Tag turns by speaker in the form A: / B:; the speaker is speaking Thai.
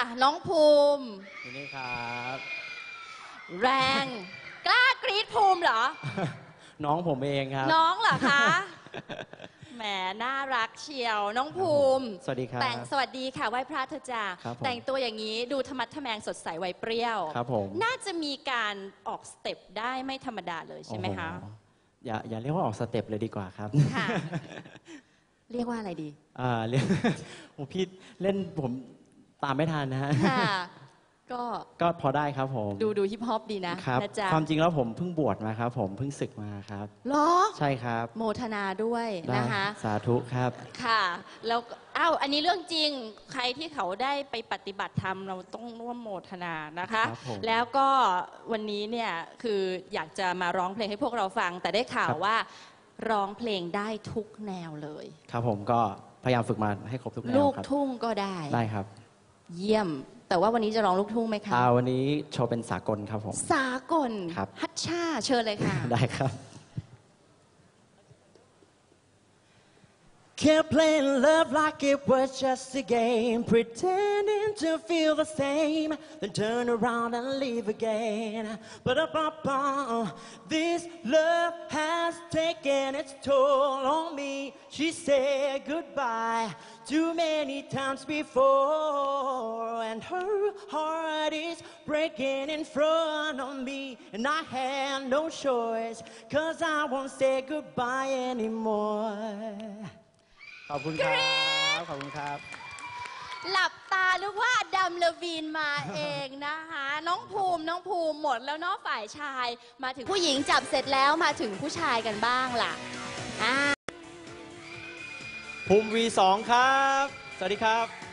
A: น้องภูมิ
B: นี่ครับ
A: แรงกล้ากรี๊ดภูมิเหรอ
B: น้องผมเองครับ
A: น้องเหรอคะแหมน่ารักเชียวน้องภูมิ
B: สวัสดีครับ
A: แต่งสวัสดีค่ะไหว้พระเธอจ้า
B: ครับผม
A: แต่งตัวอย่างนี้ดูธรรมะทแมงสดใสวัยเปรี้ยว
B: ครับผม
A: น่าจะมีการออกสเต็ปได้ไม่ธรรมดาเลยใช่ไหมคะ
B: โอ้โหอย่าเรียกว่าออกสเต็ปเลยดีกว่าครับ
A: ค่ะ เรียกว่าอะไรดี
B: เรียก โอ้พี่เล่นผมตามไม่ทันนะฮะ
A: ค่ะ
B: ก็พอได้ครับผม
A: ดูฮิปฮอปดีนะครับ นะจ๊ะ
B: ความจริงแล้วผมเพิ่งบวชมาครับ ผมเพิ่งศึกมาครับ
A: เหรอ
B: ใช่ครับ
A: โมทนาด้วย
B: ได้
A: นะคะ
B: สาธุครับ
A: ค่ะ แล้วอ้าวอันนี้เรื่องจริงใครที่เขาได้ไปปฏิบัติธรรมเราต้องร่วมโมทนานะคะ
B: ครับผม
A: แล้วก็วันนี้เนี่ยคืออยากจะมาร้องเพลงให้พวกเราฟัง แต่ได้ข่าว
B: ครับ
A: ว่าร้องเพลงได้ทุกแนวเลย
B: ครับผมก็พยายามฝึกมาให้ครบทุกแนว
A: ลูก
B: ครับ
A: ทุ่งก็ได้
B: ได้ครับ
A: เยี่ยม แต่ว่าวันนี้จะร้องลูกทุ่งไหมคะ
B: วันนี้โชว์เป็นสากลครับผม
A: สากล
B: ครับ
A: ฮัชชาเชิญเลยค่ะ
B: ได้ครับ
C: Kept playing love like it was just a game, pretending to feel the same, then turn around and leave again. But this love has taken its toll on me. She said goodbye too many times before, and her heart is breaking in front of me, and I had no choice, 'cause I won't say goodbye anymore.
B: ขอบคุณครับ ขอบคุณครับ
A: หลับตานึกว่าอดัมเลวีนมาเองนะคะ น้องภูมิหมดแล้วเนาะฝ่ายชาย มาถึงผู้หญิงจับเสร็จแล้วมาถึงผู้ชายกันบ้างล่ะ
B: ภูมิ V2 ครับ สวัสดีครับ